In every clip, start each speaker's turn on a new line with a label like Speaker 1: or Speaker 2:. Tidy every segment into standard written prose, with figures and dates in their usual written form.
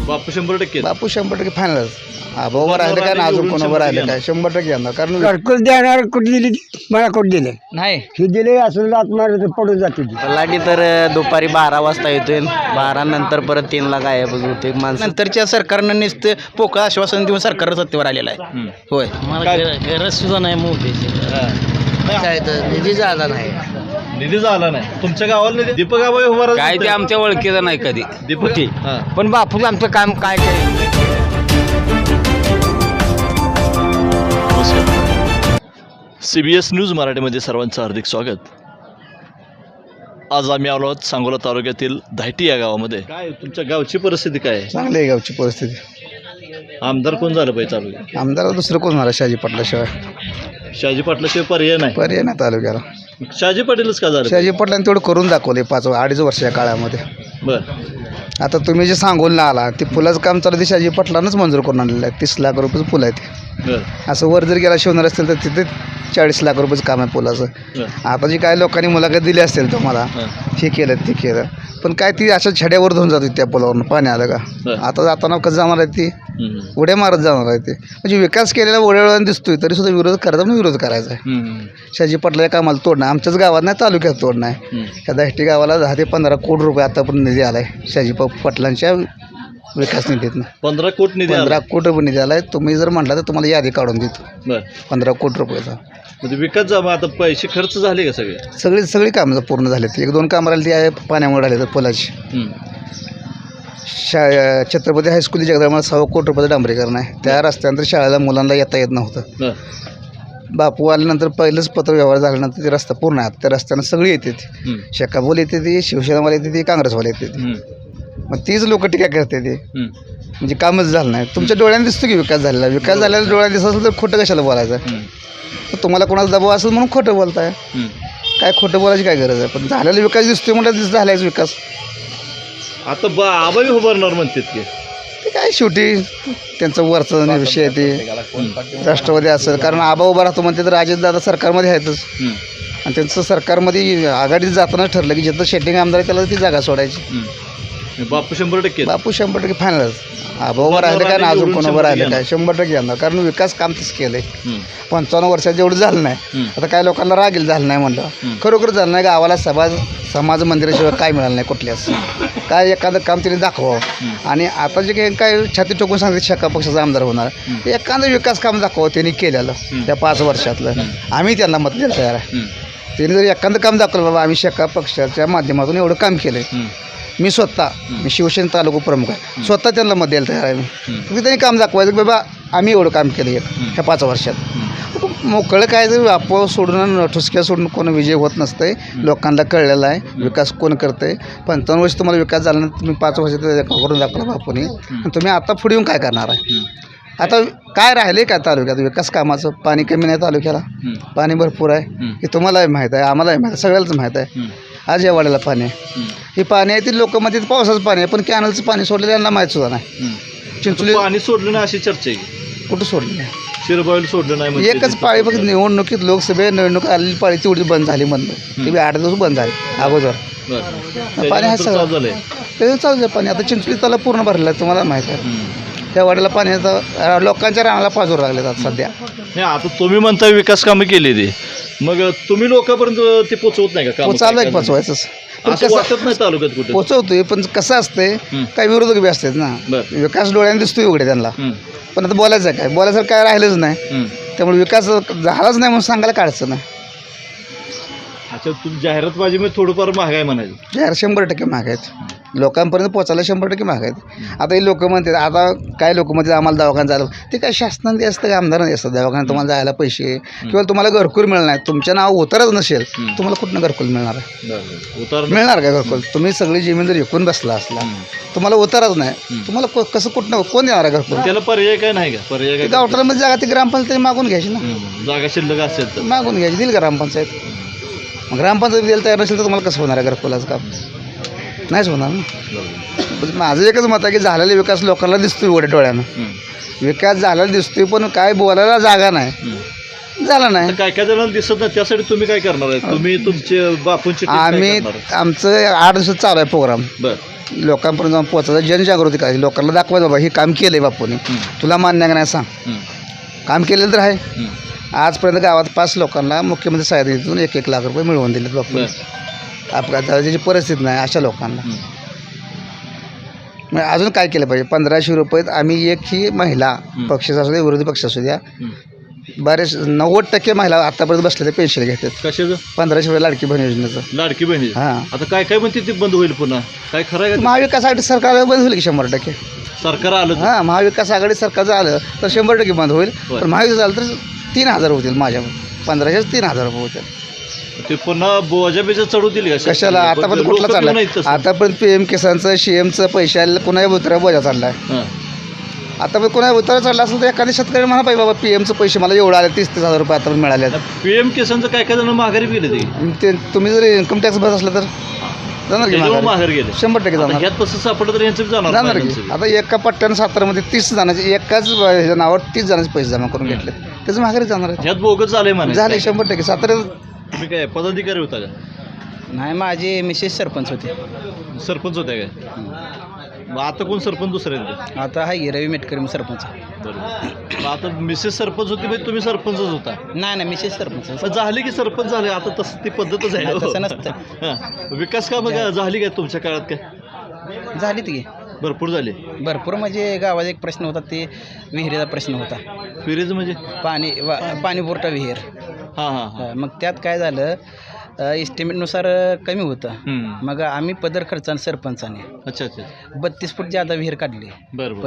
Speaker 1: बापू 100%
Speaker 2: बापू 100% फायनलच. आबावर राहिलं काय ना अजून कोणावर राहिलं काय 100% येणार. कारण
Speaker 3: घरकुल देणार कुठे दिली मला कुठे दिले
Speaker 4: नाही
Speaker 3: हे दिले असं आत्मार पडून जाते
Speaker 4: तलाठी तर दुपारी 12 वाजता येतोय 12 नंतर परत 3ला गायब होते माणसं. नंतरच्या सरकारनं नुसतं पोकळ आश्वासन देऊन सरकार सत्तेवर आलेलं आहे. होय गरज सुद्धा नाही मोदी काय तर निधी झाला नाही.
Speaker 1: निधी झाला नाही तुमच्या गावाला निधी दीपक आबा उभा
Speaker 5: काय ते आमच्या ओळखीचं नाही कधी
Speaker 1: दीपक
Speaker 4: पण बापू आमचं काम काय केलं.
Speaker 1: CBS न्यूज मराठीमध्ये सर्वांचं हार्दिक स्वागत. आज आम्ही आलो आहोत सांगोला तालुक्यातील धायटी या गावामध्ये. काय तुमच्या गावची परिस्थिती काय आहे?
Speaker 2: चांगली आहे गावची परिस्थिती.
Speaker 1: आमदार कोण झालं पाहिजे तालुक्यात?
Speaker 2: आमदार दुसरं कोण होणार शहाजी पाटलाशिवाय?
Speaker 1: शहाजी पाटलाशिवाय पर्याय नाही.
Speaker 2: पर्याय नाही तालुक्याला.
Speaker 1: शहाजी पाटीलच का झालं?
Speaker 2: शहाजी पाटलांनी तेवढं करून दाखवले 5-2.5 वर्षाच्या काळामध्ये.
Speaker 1: बरं
Speaker 2: आता तुम्ही जे सांगोलला आला ते पुलाचं काम चालू ते शहाजी पाटलांच मंजूर करून आणलेलं आहे. 30 लाख रुपयाचं पूल आहे ते.
Speaker 1: बरं
Speaker 2: असं वर जर गेला शिवणार असेल तर तिथे 40 लाख रुपयाचं काम आहे पुलाचं. आता जी काय लोकांनी मुलाखत दिली असेल तुम्हाला हे केलं ते केलं पण काय ती अशा छड्यावर धुवून जात होती त्या पुलावरून पाणी आलं का. आता जाताना कसं जाणार आहे ती उड्या मारत जाणार आहे ते. म्हणजे विकास केलेला ओढ्याळ्यानं दिसतोय तरी सुद्धा विरोध करायचा म्हणून विरोध करायचा आहे. शहाजी पाटला या कामाला तोडणं आमच्याच गावात नाही तालुक्यात तोडणं आहे. ह्या धायटी गावाला 10 ते 15 कोटी रुपये आतापर्यंत निधी आला आहे शहाजी पाटलांच्या विकास निधीतनं.
Speaker 1: 15 कोटी निधी
Speaker 2: 15 कोटी रुपये निधी आला आहे. तुम्ही जर म्हटलं तर तुम्हाला यादी काढून देतो.
Speaker 1: बरं
Speaker 2: 15 कोटी रुपयाचा
Speaker 1: म्हणजे विकास जमा आता पैसे खर्च झाले का सगळे? सगळी
Speaker 2: कामं पूर्ण झाले. 1-2 कामं राहिली ती आहे पाण्यामुळे राहिले तर पुलाची. छत्रपती हायस्कूल जगदळाला 6 कोटी रुपयाचं डांबरीकरण आहे. त्या रस्त्यानंतर शाळेला मुलांना येता येत नव्हतं. बापू आल्यानंतर पहिलंच पत्र व्यवहार झाल्यानंतर ते रस्ता पूर्ण आहे. त्या रस्त्यानं सगळी येते ती शेकाबोल येते ती शिवसेनावाले येते ती काँग्रेसवाले येते ती. मग तीच लोक टीका करते ते म्हणजे कामच झालं नाही. तुमच्या डोळ्याने दिसतो की विकास झालेला. विकास झालेला डोळ्यात दिसत असेल तर खोटं कशाला बोलायचं. तुम्हाला कोणाला दबाव असेल म्हणून खोटं बोलताय. काय खोटं बोलायची काय गरज आहे. पण झालेला विकास दिसतोय म्हणतात झालायच विकास.
Speaker 1: आता आबाई उभारणार म्हणतात की
Speaker 2: ते काय शेवटी त्यांचं वरचं विषय आहे ते. राष्ट्रवादी असेल कारण आबा उभा राहतो म्हणते तर अजितदादा सरकारमध्ये आहेतच आणि त्यांचं सरकारमध्ये आघाडीत जाताना ठरलं की जिथं शेटिंग आमदार आहे त्याला ती जागा सोडायची.
Speaker 1: बापू 100%
Speaker 2: बापू 100% फायनलच. आबा उभं राहिलं काय ना अजून कोणावर राहिलं काय 100% येणार. कारण विकास काम तसं केलं आहे. 55 वर्षात जेवढं झालं नाही. आता काही लोकांना रागील झालं नाही म्हणलं खरोखर झालं नाही. गावाला समाज मंदिराशिवाय काय मिळालं नाही कुठल्याच. काय एखादं काम त्यांनी दाखवावं. आणि आता जे काही काय छाती टोकून सांगते शेका पक्षाचा आमदार होणार एखादं विकास काम दाखवावं त्यांनी केलेलं त्या 5 वर्षातलं. आम्ही त्यांना मत द्यायला तयार आहे. त्यांनी जर एखादं काम दाखवलं बाबा आम्ही शेका पक्षाच्या माध्यमातून एवढं काम केलं आहे. मी शिवसेना तालुका प्रमुख आहे. स्वतः त्यांना मत द्यायला तयार आहे मी. फक्त त्यांनी काम दाखवायचं की बाबा आम्ही एवढं काम केलं ह्या 5 वर्षात. मोकळं काय जर आपोआप सोडून ठुसक्या सोडून कोण विजय होत नसतंय. लोकांना कळलेलं आहे विकास कोण करतंय. 55 वर्ष तुम्हाला विकास झाला नाही तुम्ही 5 वर्षात करून दाखवला बापूने आणि तुम्ही आता पुढे येऊन काय करणार आहे. आता काय राहिले काय तालुक्यात विकास कामाचं. पाणी कमी नाही तालुक्याला पाणी भरपूर आहे. हे तुम्हालाही माहीत आहे आम्हालाही माहीत आहे सगळ्यालाच माहीत आहे. आज या वाड्याला पाणी आहे. हे पाणी आहे ती लोक मध्ये पावसाचं पाणी आहे पण कॅनलचं पाणी सोडलेलं यांना माहीत सुद्धा नाही. चिंचोली
Speaker 1: पाणी सोडलं नाही अशी चर्चा आहे.
Speaker 2: कुठं सोडलं नाही.
Speaker 1: शिरबाईल सोडलं नाही.
Speaker 2: एकच पाळी फक्त निवडणुकीत लोकसभे निवडणूक आलेली पाळी तेवढी बंद झाली म्हणलं. ती 8 दिवस बंद झाली अगोदर. पाणी आहे सगळं त्याचं चालू आहे पाणी. आता चिंचोली त्याला पूर्ण भरलेलं आहे तुम्हाला माहीत आहे. त्या वाड्याला पाणी आता लोकांच्या रानाला पाजूर लागले आता सध्या.
Speaker 1: नाही आता तुम्ही म्हणता विकास कामं केली ते मग तुम्ही लोकांपर्यंत ते पोचवत नाही का?
Speaker 2: चालू आहे पोचवायचंच पण
Speaker 1: असं वाटत नाही तालुक्यात कुठे
Speaker 2: पोचवतोय पण कसं असतंय काही विरोधक बी असतात ना. विकास डोळ्याने दिसतोय उघडे त्यांना पण आता बोलायचं काय बोलायचं काय राहिलंच नाही. त्यामुळे विकास झालाच नाही म्हणून सांगायला काढायचं नाही.
Speaker 1: अच्छा तुम्ही जाहिरातबाजीमध्ये थोडंफार महागाई म्हणायचं.
Speaker 2: जाहीर 100% महाग आहेत. लोकांपर्यंत पोचायला 100% महाग आहेत. आता हे लोक म्हणतात आता काय लोक म्हणतात आम्हाला दवाखान्यात जायला ते काय शासनाने असतं काय आमदाराने असतं दवाखान्यात तुम्हाला जायला पैसे किंवा तुम्हाला घरकुल मिळणार नाही. तुमच्या नाव उतारच नसेल तुम्हाला कुठनं घरकुल मिळणार आहे. मिळणार काय घरकुल. तुम्ही सगळी जमीन जर विकून बसला असला तुम्हाला उतारच नाही तुम्हाला कसं कुठनं कोण देणार आहे घरकुल.
Speaker 1: त्याला पर्याय काय नाही का? पर्याय काय
Speaker 2: गावठाणामध्ये जागा ती ग्रामपंचायत मागून घ्यायची ना.
Speaker 1: जागा शिल्लक असेल तर
Speaker 2: मागून घ्यायची देईल ग्रामपंचायत. मग ग्रामपंचायत द्यायला तयार नसेल तर तुम्हाला कसं होणार आहे घरकुलाचं काम. नाहीच होणार ना. माझं एकच मत आहे की झालेला विकास लोकांना दिसतोय एवढ्या डोळ्यानं. विकास झालेला दिसतोय पण काय बोलायला जागा नाही. झाला नाही
Speaker 1: काय काय जणांना दिसत नाही त्यासाठी तुम्ही काय करणार आहे? तुम्ही तुमचे बापूंची
Speaker 2: आम्ही आमचं 8 दिवसात चालू आहे प्रोग्राम. लोकांपर्यंत जाऊन पोचायचं, जनजागृती करायची, लोकांना दाखवायचं बाबा हे काम केलं आहे बापूने, तुला मान्य आहे का नाही सांग. काम केलेलं तर आहे. आजपर्यंत गावात 5 लोकांना मुख्यमंत्री सहाय्यता निधीतून 1-1 लाख रुपये मिळवून दिलेत बापूने. अपघाताची परिस्थिती नाही अशा लोकांना. मग अजून काय केलं पाहिजे? 1500 रुपयात आम्ही एकही महिला पक्ष असू द्या विरोधी पक्ष असू द्या, बरेच 90% महिला आतापर्यंत बसलेल्या पेन्शन घेतात.
Speaker 1: कशाचं?
Speaker 2: 1500 रुपये लाडकी बहीण योजनेचं.
Speaker 1: लाडकी बहिणी.
Speaker 2: हां,
Speaker 1: आता काय काय म्हणते ते बंद होईल पुन्हा? काय खरं आहे का?
Speaker 2: महाविकास आघाडी सरकार बंद होईल की 100%.
Speaker 1: सरकार आलं तर?
Speaker 2: हां, महाविकास आघाडी सरकार जर आलं तर 100% बंद होईल.
Speaker 1: बरं.
Speaker 2: पण महाविकास झालं तर 3000 होतील. माझ्या 1500 3000 रुपये होतील.
Speaker 1: ते पुन्हा बोजाबेजा चढू दिली का?
Speaker 2: कशाला? आतापर्यंत कुठला चालला? आतापर्यंत PM किसानचं CMचं पैसे आलेलं कुणाही उतरा बोजा चालला आहे. आतापर्यंत कुणाही उतरा चालला असेल तर एखाद्या शेतकरी म्हणा पाहिजे बाबा PMचं पैसे मला एवढं आले 30,000 रुपये आतापर्यंत मिळाले.
Speaker 1: PM किसानचं काय काय जण माघारी गेले
Speaker 2: ते तुम्ही जर इन्कम टॅक्स भरत असलं तर जाणार की
Speaker 1: माघार गेले?
Speaker 2: 100% जाणार.
Speaker 1: ह्यात कसं सापडलं तर यांचं बी
Speaker 2: जाणार
Speaker 1: जाणार
Speaker 2: की. आता एका पट्ट्यानं सातारामध्ये 30 जणांचे एकाच ह्याच्या नावावर 30 जणांचे पैसे जमा करून घेतले, त्याचं माघारी जाणार आहे.
Speaker 1: ह्यात बोगस झालंय म्हणा.
Speaker 2: झाले 100%. सातारा
Speaker 1: तुम्ही काय पदाधिकारी होता का?
Speaker 4: नाही, माझे मिसेस सरपंच होते.
Speaker 1: सरपंच होत्या काय? मग आता कोण सरपंच दुसरे आहेत?
Speaker 4: आता आहे रवी मेटकरी सरपंच.
Speaker 1: बरोबर. मग आता मिसेस सरपंच होती म्हणजे तुम्ही सरपंचच होता?
Speaker 4: नाही, मिसेस सरपंच.
Speaker 1: मग झाले की सरपंच झाले आता, तसं ती पद्धतच आहे.
Speaker 4: नाही, तसं नसतं.
Speaker 1: हां. विकास कामं काय झाली काय तुमच्या काळात? काय
Speaker 4: झाली ती
Speaker 1: भरपूर झाले?
Speaker 4: भरपूर. म्हणजे गावात एक प्रश्न होता, ते विहिरीचा प्रश्न होता.
Speaker 1: फिरेज म्हणजे?
Speaker 4: पाणी पुरवठा विहीर.
Speaker 1: हां हां हां.
Speaker 4: मग त्यात काय झालं, एस्टिमेटनुसार कमी होतं. मग आम्ही पदर खर्चाने सरपंचाने
Speaker 1: अच्छा अच्छा.
Speaker 4: 32 फूट जादा विहीर काढली.
Speaker 1: बरं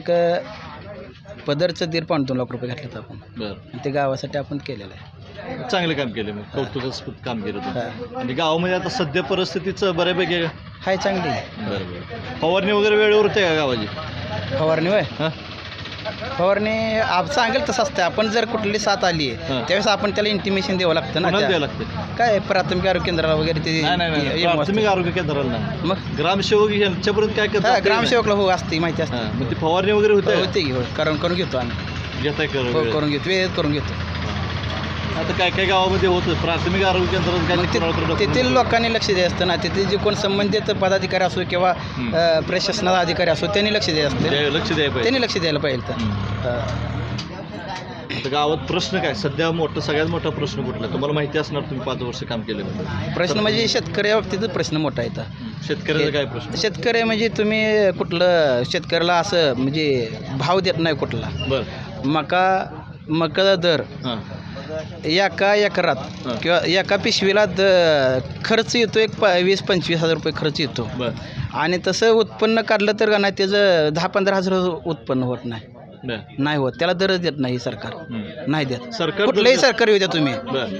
Speaker 4: पदरचं 1.5-2 लाख रुपये घातलेत आपण.
Speaker 1: बरं.
Speaker 4: ते गावासाठी आपण केलेलं आहे.
Speaker 1: चांगलं काम केलं. मग कौतुकास्पद काम केलं तुम्ही. आणि गावामध्ये आता सध्या परिस्थितीचं बऱ्यापैकी आहे का?
Speaker 4: हाय, चांगली.
Speaker 1: बरं. फवारणी वगैरे वेळेवर होते का गावाची?
Speaker 4: फवारणी होय?
Speaker 1: हां.
Speaker 4: फवारणी सांगेल तसं असतं. आपण जर कुठली साथ आली आहे त्यावेळेस आपण त्याला इंटिमेशन द्यावं लागतं ना.
Speaker 1: द्यावं लागतं
Speaker 4: काय प्राथमिक आरोग्य केंद्राला वगैरे ते
Speaker 1: नाही प्राथमिक आरोग्य केंद्राला नाही.
Speaker 4: मग
Speaker 1: ग्रामसेवक यांच्यापर्यंत काय करतात?
Speaker 4: ग्रामसेवकला हो असते, माहिती असते.
Speaker 1: मग ती फवारणी वगैरे
Speaker 4: होते की. हो, करून घेतो आम्ही.
Speaker 1: घेताय
Speaker 4: करून घेतो, वेळेत करून घेतो.
Speaker 1: आता काय काय गावामध्ये होतं प्राथमिक आरोग्य केंद्रात
Speaker 4: तेथील लोकांनी लक्ष द्यायचं असतं ना. तिथे जे कोण संबंधित पदाधिकारी असो किंवा प्रशासनाचा अधिकारी असो त्यांनी लक्ष द्यायचं असतं.
Speaker 1: लक्ष द्यायला पाहिजे.
Speaker 4: त्यांनी लक्ष द्यायला पाहिजे.
Speaker 1: तर गावात प्रश्न काय सध्या सगळ्यात मोठा प्रश्न कुठला तुम्हाला माहिती असणार? तुम्ही 5 वर्ष काम केलं.
Speaker 4: प्रश्न म्हणजे शेतकऱ्या बाबतीत प्रश्न मोठा येतात.
Speaker 1: शेतकऱ्याचा काय प्रश्न?
Speaker 4: शेतकरी म्हणजे तुम्ही कुठलं शेतकऱ्याला असं म्हणजे भाव देत नाही कुठला.
Speaker 1: बरं.
Speaker 4: मका दर एका एकरात किंवा एका पिशवीला खर्च येतो 20-25 हजार रुपये खर्च येतो.
Speaker 1: बरं.
Speaker 4: आणि तसं उत्पन्न काढलं तर का नाही त्याचं 10-15 हजार उत्पन्न होत नाही. नाही होत. त्याला दरच देत नाही सरकार. नाही देत. सरकार कुठलंही सरकार येऊ द्या तुम्ही.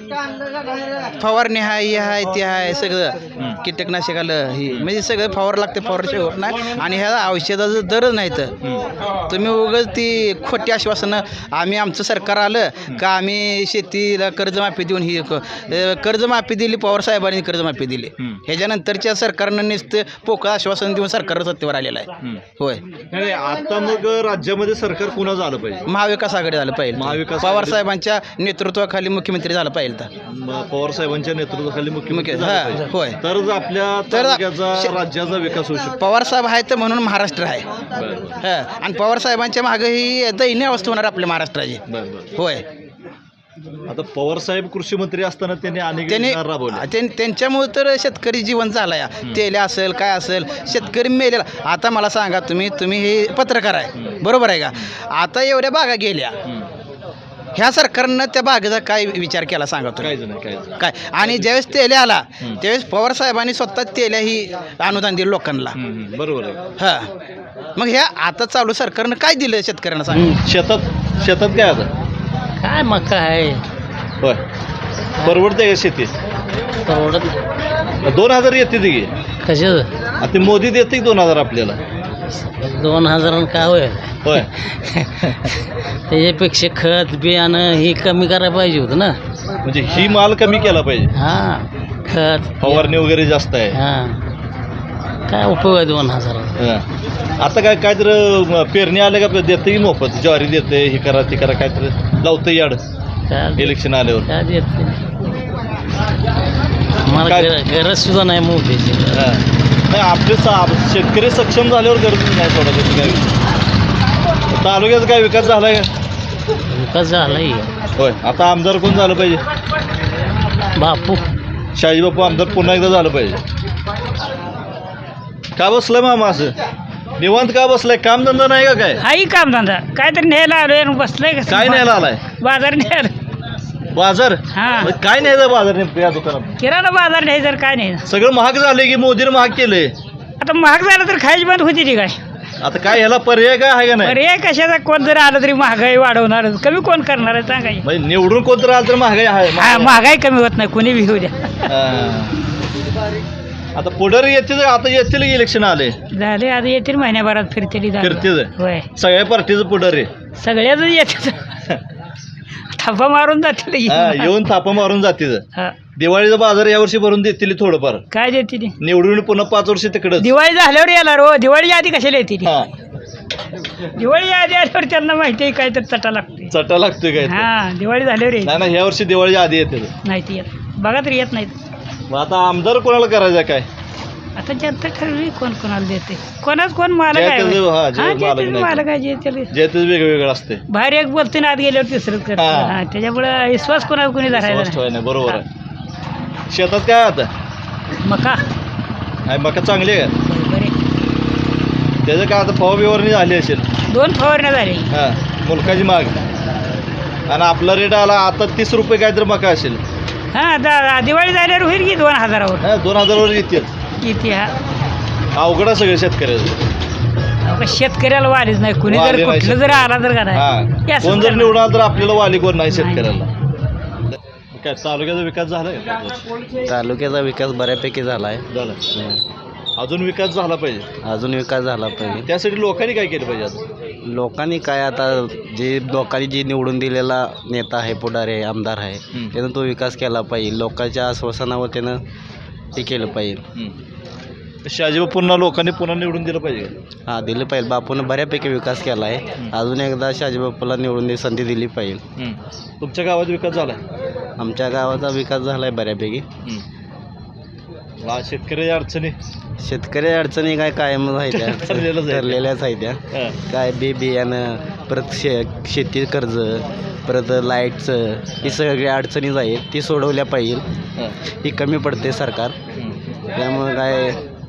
Speaker 4: फवारणी हाय, हे हाय, ते हाय, सगळं कीटकनाशक आलं ही म्हणजे सगळं फवार लागते. फवारशिवाय होत नाही. आणि ह्या औषधाचं दरच नाही तर तुम्ही उगाच ती खोटी आश्वासनं आम्ही आमचं सरकार आलं का आम्ही शेतीला कर्जमाफी देऊन ही कर्जमाफी दिली. पवार साहेबांनी कर्जमाफी दिली. ह्याच्यानंतरच्या सरकारनं नुसतं पोकळ आश्वासन देऊन सरकार सत्तेवर आलेलं आहे. होय.
Speaker 1: आता मग राज्यामध्ये सरकार पुन्हा झालं पाहिजे.
Speaker 4: महाविकास आघाडी झालं पाहिजे. पवार साहेबांच्या नेतृत्वाखाली मुख्यमंत्री झालं पाहिजे.
Speaker 1: पवार साहेबांच्या नेतृत्वाखाली मुख्यमंत्री
Speaker 4: होय.
Speaker 1: तरच आपल्या राज्याचा विकास होऊ शकतो.
Speaker 4: पवार साहेब आहेत म्हणून महाराष्ट्र आहे. आणि पवार साहेबांच्या मागे ही दयनीय अवस्था होणार आपल्या महाराष्ट्राची. होय.
Speaker 1: आता पवार साहेब कृषी मंत्री असताना त्यांनी अनेक योजना राबवल्या.
Speaker 4: त्यांच्यामुळे तर शेतकरी जीवन झाला. तेल असेल काय असेल शेतकरी मेलेला. आता मला सांगा तुम्ही हे पत्रकार आहे बरोबर आहे का? आता एवढ्या बागा गेल्या. ह्या सरकारनं त्या बागेचा काय विचार केला सांगा तुम्ही? काय? आणि ज्यावेळेस तेल्या आला त्यावेळेस पवार साहेबांनी स्वतः तेल्या ही अनुदान दिलं लोकांना.
Speaker 1: बरोबर आहे.
Speaker 4: हां. मग ह्या आता चालू सरकारनं काय दिलं शेतकऱ्यांना सांगा?
Speaker 1: शेतात काय आता
Speaker 6: काय मका आहे.
Speaker 1: होय. परवडते का शेती?
Speaker 6: परवडत
Speaker 1: 2000 येते ती
Speaker 6: कशाचं?
Speaker 1: ते मोदी देते 2000 आपल्याला.
Speaker 6: 2000 काय होय?
Speaker 1: होय.
Speaker 6: त्याच्यापेक्षा खत बियाणं ही कमी करायला पाहिजे होतं ना.
Speaker 1: म्हणजे ही माल कमी केला पाहिजे.
Speaker 6: हां. खत
Speaker 1: फवारणी वगैरे जास्त आहे.
Speaker 6: हां. काय उपयोग आहे 2000?
Speaker 1: आता काय तर पेरणी आलं का देतं की मोफत ज्वारी देते हे करा ते करा काय तर लावतं याड इलेक्शन आल्यावर.
Speaker 6: काय देत मला गरज सुद्धा नाही मोदीची.
Speaker 1: नाही आपले शेतकरी सक्षम झाल्यावर गरज नाही सोडा त्याचं काय. तालुक्याचा काय विकास झाला का?
Speaker 6: विकास झालाय
Speaker 1: होय. आता आमदार कोण झालं पाहिजे?
Speaker 6: बापू
Speaker 1: शाजी बापू आमदार पुन्हा एकदा झालं पाहिजे. का बसलाय मामा असं निवांत का बसलाय? कामधंदा नाही का काय?
Speaker 6: हाही काम धंदा काहीतरी न्यायला आलोय बसलाय कसं
Speaker 1: काय न्यायला आलाय?
Speaker 6: बाजार न्यायला
Speaker 1: बाजार?
Speaker 6: हा
Speaker 1: मग काय न्यायचं बाजार नेमकं या दुकानात?
Speaker 6: किराणा बाजार नाही तर काय नाही.
Speaker 1: सगळं महाग झालंय की मोदीने महाग केलंय?
Speaker 6: आता महाग झालं तर खायची बंद होती ती काय?
Speaker 1: आता काय ह्याला पर्याय काय आहे का नाही?
Speaker 6: अरे कशाचा कोण जर आलं तरी महागाई वाढवणार कमी कोण करणार आहे सांगाय.
Speaker 1: म्हणजे निवडून कोणतं आलं तर महागाई आहे.
Speaker 6: हा महागाई कमी होत नाही कोणी बी होऊ द्या.
Speaker 1: आता पुढे येतील. आता येतील की इलेक्शन आले
Speaker 6: झाले आता येतील महिन्याभरात फिरतेली
Speaker 1: फिरतील
Speaker 6: होय
Speaker 1: सगळ्या पार्टीचं पुढारी
Speaker 6: सगळ्याच येतात थापा मारून जातील
Speaker 1: येऊन थापा मारून जातील.
Speaker 6: हा.
Speaker 1: दिवाळीचा बाजार यावर्षी भरून देतील थोडंफार.
Speaker 6: काय देते ती
Speaker 1: निवडून पुन्हा 5 वर्ष तिकडं.
Speaker 6: दिवाळी झाल्यावर येणार हो. दिवाळीच्या आधी कशाला येते ती?
Speaker 1: हा
Speaker 6: दिवाळीच्या आधी आल्यावर त्यांना माहिती आहे काय तर चटा लागते.
Speaker 1: चटा लागतोय काय ते.
Speaker 6: हा दिवाळी झाल्यावर येईल.
Speaker 1: नाही ना ह्या वर्षी दिवाळीच्या आधी येते.
Speaker 6: नाही ती येत बघा तरी येत नाहीत.
Speaker 1: मग आता आमदार कोणाला करायचं काय?
Speaker 6: आता जनता ठरवी कोण कोणाला देते. कोणाच कोण मालक
Speaker 1: जे
Speaker 6: आहे
Speaker 1: त्याचं- हा, जे
Speaker 6: हा, जे
Speaker 1: मालक
Speaker 6: त्याचं
Speaker 1: नाही.
Speaker 6: मालक आहे जे त्याला
Speaker 1: जे तेच वेगवेगळं असते.
Speaker 6: बाहेर एक बोलते ना आत गेल्यावर तिसरंच करते.
Speaker 1: हा.
Speaker 6: हा, त्याच्यामुळे विश्वास कोणावर कोणी धरायला
Speaker 1: स्पष्ट
Speaker 6: नाही.
Speaker 1: आहे ना बरोबर आहे. शेतात काय आता
Speaker 6: मका
Speaker 1: आहे? मका चांगली आहे का?
Speaker 6: बरे
Speaker 1: त्याचं काय आता फवारणी झाली असेल.
Speaker 6: 2 फवारण्या झाली.
Speaker 1: हा मुलकाची माग आणि आपला रेट आला आता 30 रुपये काहीतरी मका असेल.
Speaker 6: हा दिवाळी झाल्यावर होईल की 2000वर
Speaker 1: हा 2000 वर येतील.
Speaker 6: किती हा
Speaker 1: अवघड आहे सगळं शेतकऱ्याचं.
Speaker 6: अहो, शेतकऱ्याला वालीच नाही कुणी जर
Speaker 1: वाली नाही
Speaker 6: कुठलं जर आला तर का
Speaker 1: हा
Speaker 6: नाही हे असंच
Speaker 1: कोण जर
Speaker 6: करणार.
Speaker 1: निवडून आलं तर आपल्याला वाली कोण नाही शेतकऱ्याला. काय तालुक्याचा विकास झाला का?
Speaker 4: तालुक्याचा विकास बऱ्यापैकी झाला आहे.
Speaker 1: झाला. अजून विकास झाला पाहिजे.
Speaker 4: अजून विकास झाला पाहिजे.
Speaker 1: त्यासाठी लोकांनी काय केलं पाहिजे आता?
Speaker 4: लोकांनी काय आता लोकांनी जी निवडून दिलेला नेता आहे पुढारी आहे आमदार आहे त्यानं तो विकास केला पाहिजे. लोकांच्या आश्वासनावर त्यानं हे केलं पाहिजे.
Speaker 1: शाजीबा पुन्हा लोकांनी पुन्हा निवडून दिलं पाहिजे.
Speaker 4: हां दिलं पाहिजे. बापूनं बऱ्यापैकी विकास केला आहे. अजून एकदा शाजीबापूला निवडून संधी दिली पाहिजे.
Speaker 1: तुमच्या गावात विकास झाला?
Speaker 4: आमच्या गावाचा विकास झाला आहे बऱ्यापैकी.
Speaker 1: शेतकऱ्याच्या अडचणी
Speaker 4: शेतकरी अडचणी काय कायमच आहे त्या
Speaker 1: ठरलेलंच आहे.
Speaker 4: ठरलेल्याच आहे त्या.
Speaker 1: हा.
Speaker 4: काय बियाणं परत शेती कर्ज परत लाईटचं ही सगळ्या अडचणीच आहेत ती सोडवल्या पाहिजे.
Speaker 1: हा.
Speaker 4: ही कमी पडते सरकार त्यामुळे काय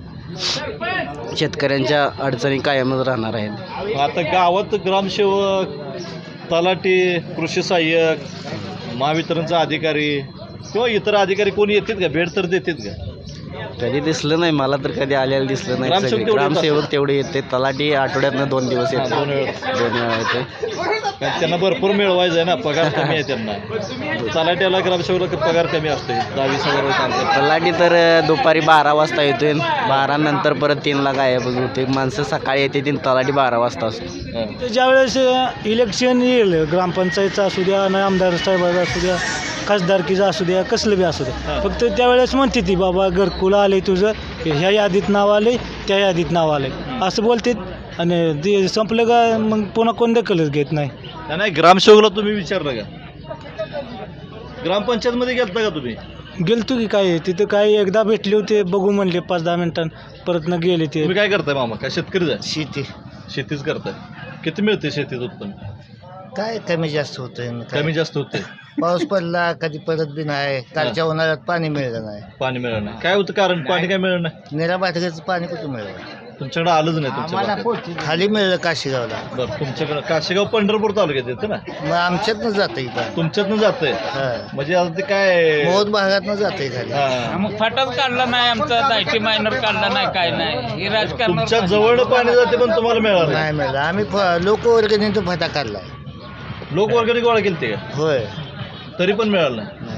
Speaker 4: शेतकऱ्यांच्या अडचणी कायमच राहणार आहेत.
Speaker 1: आता गावात ग्रामसेवक तलाठी कृषी सहाय्यक महावितरणचा अधिकारी किंवा इतर अधिकारी कोणी येतात का? भेट तर देतात का?
Speaker 4: कधी दिसलं नाही मला तर कधी आलेलं दिसलं नाही.
Speaker 1: ग्रामसेवक
Speaker 4: सगळे
Speaker 1: तेवढे
Speaker 4: ग्रामसेवक तेवढे येते. तलाठी आठवड्यातनं 2 दिवस येते.
Speaker 1: 2 वेळा
Speaker 4: येते.
Speaker 1: कारण त्यांना भरपूर मिळवायचं आहे ना. पगार कमी आहे त्यांना. तलाट्याला ग्रामसेवक पगार कमी असते 10-20 हजार.
Speaker 4: तलाठी तर दुपारी 12 वाजता येतोय. 12 नंतर परत 3ला गायब होते. माणसं सकाळी येते 3 तलाठी 12 वाजता असतो.
Speaker 7: ज्यावेळेस इलेक्शन येईल ग्रामपंचायतचं असू द्या आणि आमदार साहेबाचा असू द्या खासदारकीचं असू द्या कसलं बी असू द्या फक्त त्यावेळेस म्हणते ती बाबा घरकुल आले तुझं ह्या यादीत नाव आले त्या यादीत नाव आले असं बोलते आणि ते संपलं का मग पुन्हा कोण दखलच घेत नाही.
Speaker 1: नाही ग्रामसेवकला तुम्ही विचारलं का? ग्रामपंचायतमध्ये गेलता का तुम्ही?
Speaker 7: गेलतो की काय तिथं काय एकदा भेटले होते बघू म्हणले 5-10 मिनिटां परत न गेले ते.
Speaker 1: तुम्ही काय करताय मामा? काय शेतकरी आहे?
Speaker 2: शेती
Speaker 1: शेतीच करताय. किती मिळते शेतीत उत्पन्न?
Speaker 2: काय कमी जास्त होतंय
Speaker 1: कमी जास्त होते.
Speaker 2: पाऊस पडला कधी पडत बी नाही. कालच्या उन्हाळ्यात पाणी मिळलं नाही.
Speaker 1: पाणी मिळालं नाही. काय होतं कारण? पाणी काय मिळलं नाही?
Speaker 2: निरा बाटक्याचं पाणी कुठं मिळलं?
Speaker 1: तुमच्याकडे आलंच नाही. तुमच्या
Speaker 2: खाली मिळलं काशीगावला.
Speaker 1: बरं तुमच्याकडे काशेगाव पंढरपूर तालुक्यात येतं ना?
Speaker 2: मग आमच्यातनं जातं इथं.
Speaker 1: तुमच्यातनं जातंय म्हणजे आता ते काय
Speaker 2: मोद भागातनं जातंय खाली.
Speaker 1: हा.
Speaker 6: मग फाटाच काढला नाही आमचा दायटी मायनर काढला नाही काय नाही हे राजकारण.
Speaker 1: तुमच्या जवळ पाणी जाते पण तुम्हाला मिळालं नाही.
Speaker 2: नाही मिळलं. आम्ही लोकवर्गणीचा फटा काढलाय.
Speaker 1: लोकवर्गणी गोळा केली का?
Speaker 2: होय
Speaker 1: तरी पण मिळालं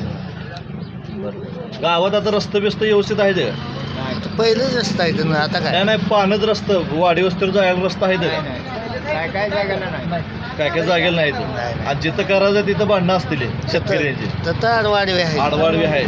Speaker 1: नाही. बरं गावात आता रस्ते बिस्त व्यवस्थित आहे का?
Speaker 2: पहिलेच रस्ता आहे ना आता काय
Speaker 1: नाही नाही पानच रस्ता वाडी वस्तीवर जायला रस्ता आहे का?
Speaker 2: काय जागा नाही.
Speaker 1: काय काय जागेला नाही
Speaker 2: नाही.
Speaker 1: आज जिथं करायचं तिथं भांडणं असतील शेतकऱ्यांची.
Speaker 2: तर आडवाडवे आहे.
Speaker 1: आडवाडवी आहे.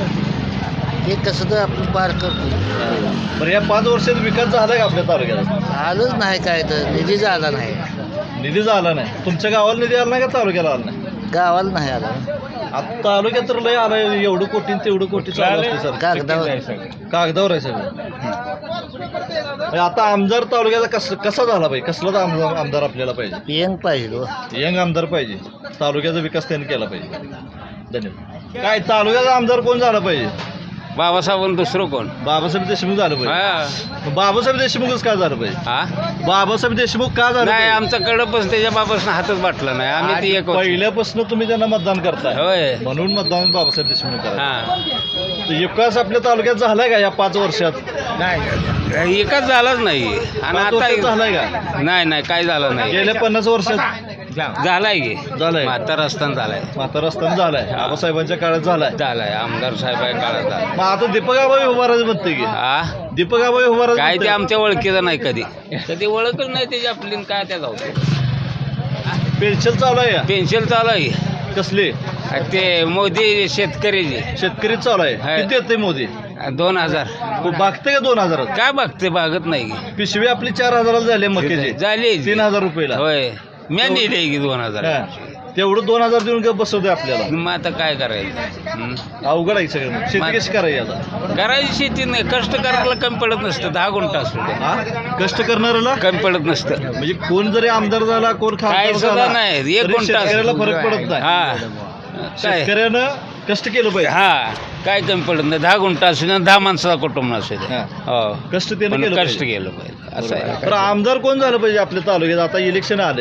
Speaker 2: ते कसं तर आपण पार करतो.
Speaker 1: बरं या 5 वर्षात विकास झाला का आपल्या तालुक्यात?
Speaker 2: आलंच नाही काय तर निधी झाला नाही.
Speaker 1: निधी झाला नाही. तुमच्या गावाला निधी आला नाही का तालुक्याला आला नाही?
Speaker 2: गावाला नाही आला.
Speaker 1: आता तालुक्यात तर लय आलाय एवढं कोटी तेवढं कोटी चालू असते सर.
Speaker 2: कागदावर
Speaker 1: कागदावर आहे सगळं. म्हणजे आता आमदार तालुक्याचा कसा झाला पाहिजे, कसला आमदार आपल्याला पाहिजे?
Speaker 4: यंग पाहिजे
Speaker 1: यंग आमदार पाहिजे, तालुक्याचा विकास त्यांनी केला पाहिजे. धन्यवाद. काय तालुक्याचा आमदार कोण झाला पाहिजे?
Speaker 5: बाबासाहेब दुसरं कोण?
Speaker 1: बाबासाहेब देशमुख झालं पाहिजे.
Speaker 5: हा
Speaker 1: बाबासाहेब देशमुखच का झालं पाहिजे?
Speaker 5: हा?
Speaker 1: बाबासाहेब देशमुख का झालं
Speaker 5: नाही
Speaker 1: पाहिजे?
Speaker 5: आमचा कडपच त्याच्या बाबासनं हातच बाटला नाही. आम्ही ती एक होतो.
Speaker 1: पहिल्यापासून तुम्ही त्यांना मतदान करताय,
Speaker 5: होय.
Speaker 1: म्हणून मतदान बाबासाहेब देशमुख करा.
Speaker 5: हा
Speaker 1: विकास आपल्या तालुक्यात झालाय का या 5 वर्षात?
Speaker 5: नाही एकाच झालाच नाही. आणि
Speaker 1: 5 वर्षात
Speaker 5: आता
Speaker 1: झालाय का?
Speaker 5: नाही काय झालं नाही.
Speaker 1: गेल्या 50 वर्षात
Speaker 5: झालाय की
Speaker 1: झालाय.
Speaker 5: म्हातारा असताना झालाय.
Speaker 1: म्हातारा असताना झालाय, बाबासाहेबांच्या काळात झालाय.
Speaker 5: झालाय आमदार साहेबांच्या काळात झालाय.
Speaker 1: मग आता दीपक आबाई उभारायचं म्हणते की,
Speaker 5: हा
Speaker 1: दीपक आबाई उभारायचं
Speaker 5: काय ते
Speaker 1: म्हणते.
Speaker 5: आमच्या ओळखीचं नाही कधी ओळखच नाही त्याची आपली आणि काय त्या जाऊ
Speaker 1: पेन्शन चालू आहे का?
Speaker 5: पेन्शन चालू आहे.
Speaker 1: कसली?
Speaker 5: ते मोदी शेतकरीची
Speaker 1: शेतकरी चालू आहे.
Speaker 5: हाय.
Speaker 1: किती येते मोदी?
Speaker 5: 2000.
Speaker 1: बागते का 2000?
Speaker 5: काय बघते बागत नाही.
Speaker 1: पिशवी आपली 4000 झाली मक्याची,
Speaker 5: झाली
Speaker 1: 3000 रुपयाला.
Speaker 5: होय मी नेले की 2000.
Speaker 1: हा. तेवढं 2000 देऊन का बसवते आपल्याला?
Speaker 5: मग आता काय करायचं?
Speaker 1: अवघड आहे सगळं. शेती कशी करायची आता?
Speaker 5: करायची शेती नाही. कष्ट करायला कमी पडत नसतं. 10 गुंठा असू दे
Speaker 1: हा? कष्ट करणाऱ्याला
Speaker 5: कमी पडत नसतं.
Speaker 1: म्हणजे कोण जरी आमदार झाला, कोण
Speaker 5: काय
Speaker 1: खासदार
Speaker 5: सुद्धा
Speaker 1: झाला,
Speaker 5: नाही. एक
Speaker 1: तरी
Speaker 5: गुंठा
Speaker 1: शेतकऱ्याला
Speaker 5: असतो.
Speaker 1: फरक पडत नाही.
Speaker 5: हा काय
Speaker 1: शेतकऱ्यानं कष्ट केलं पाहिजे.
Speaker 5: हा काय कमी पडत नाही. 10 गुंठा असू दे 10 माणसाचा कुटुंब असू दे.
Speaker 1: हा.
Speaker 5: हो
Speaker 1: कष्ट त्यानं
Speaker 5: पण
Speaker 1: केलं
Speaker 5: कष्ट
Speaker 1: पाहिजे.
Speaker 5: केलं पाहिजे असं आहे.
Speaker 1: तर आमदार कोण झालं पाहिजे आपल्या तालुक्यात? आता इलेक्शन आले,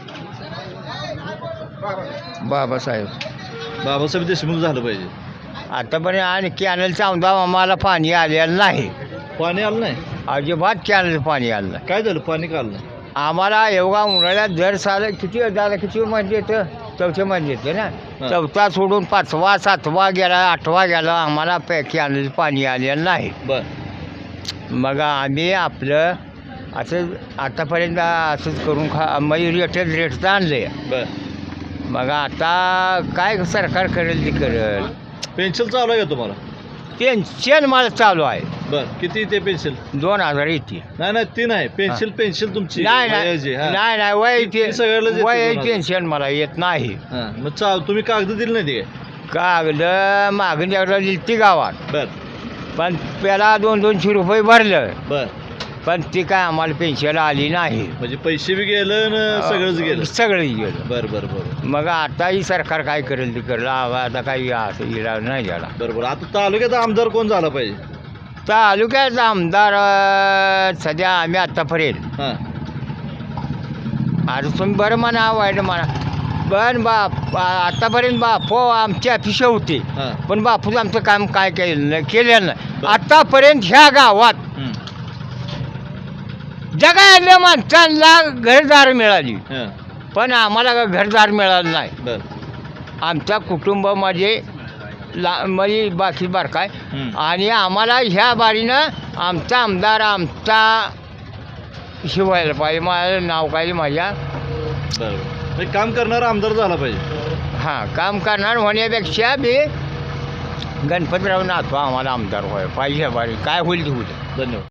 Speaker 2: बाबासाहेब
Speaker 1: बाबासाहेब देशमुख झालं पाहिजे.
Speaker 2: आतापर्यंत आणि कॅनलचा आमदार आम्हाला पाणी आलेलं नाही.
Speaker 1: पाणी आलं नाही.
Speaker 2: अजिबात कॅनलचं पाणी आलं नाही.
Speaker 1: काय झालं? पाणी का आलं नाही?
Speaker 2: आम्हाला एवढा उन्हाळ्यात दर साल किती झालं, किती मध्ये येतं? 4थ्या मध्ये येतं ना.
Speaker 1: हा.
Speaker 2: 4था सोडून 5वा 7वा गेला, 8वा गेला, आम्हाला कॅनलचं पाणी आलेलं नाही.
Speaker 1: बर.
Speaker 2: मग आम्ही आपलं असं आतापर्यंत असंच करून म्हणजे रेटचं आणलं.
Speaker 1: बर.
Speaker 2: मग आता काय सरकार करेल ते करेल.
Speaker 1: पेन्शन चालू आहे का तुम्हाला?
Speaker 2: पेन्शन मला चालू आहे.
Speaker 1: बर. किती ते पेन्शन?
Speaker 2: 2000 येते.
Speaker 1: नाही ती नाही पेन्शन तुमची
Speaker 2: नाही
Speaker 1: वयाची, हा.
Speaker 2: नाही वय
Speaker 1: ती सगळ्यालाच येते
Speaker 2: वय
Speaker 1: 2000.
Speaker 2: पेन्शन मला येत नाही.
Speaker 1: हा. मग तुम्ही कागद दिले नाही ते
Speaker 2: कागद मागून एकदा दिली ती गावात,
Speaker 1: बर.
Speaker 2: पण त्याला 200-200 रुपये भरलं,
Speaker 1: बर.
Speaker 2: पण ती काय आम्हाला पेन्शन आली नाही.
Speaker 1: म्हणजे पैसे बी गेलं न सगळंच गेलं.
Speaker 2: सगळं गेलं.
Speaker 1: बर बर बर
Speaker 2: मग आताही सरकार काय करेल ते करेल. आता काही असं इलाज नाही झाला.
Speaker 1: बरोबर. आता तालुक्यात आमदार कोण झाला पाहिजे?
Speaker 2: तालुक्याचा आमदार सध्या आम्ही आत्तापर्यंत
Speaker 1: हा.
Speaker 2: आता तुम्ही बरं म्हणा वाईट म्हणा, पण आतापर्यंत बापू आमची अपेक्षा होती,
Speaker 1: हा.
Speaker 2: पण बापूच आमचं काम काय केलेलं नाही. आतापर्यंत ह्या गावात
Speaker 1: हम्म.
Speaker 2: जगातल्या माणसांना घरदार मिळाली,
Speaker 1: हा.
Speaker 2: पण आम्हाला घरदार मिळालं नाही.
Speaker 1: बर.
Speaker 2: आमच्या कुटुंबामध्ये म्हणजे बाकी बारकाय,
Speaker 1: हम्म.
Speaker 2: आणि आम्हाला ह्या बारीनं आमचा आमदार आमचा शिवायला पाहिजे. माझं नाव काय माझ्या
Speaker 1: बरोबर. काम करणारा आमदार झाला पाहिजे.
Speaker 2: हां काम करणार होण्यापेक्षा बी गणपतराव नाथवा आम्हाला आमदार व्हायला पाहिजे. बारी काय होईल ते होईल.
Speaker 1: धन्यवाद.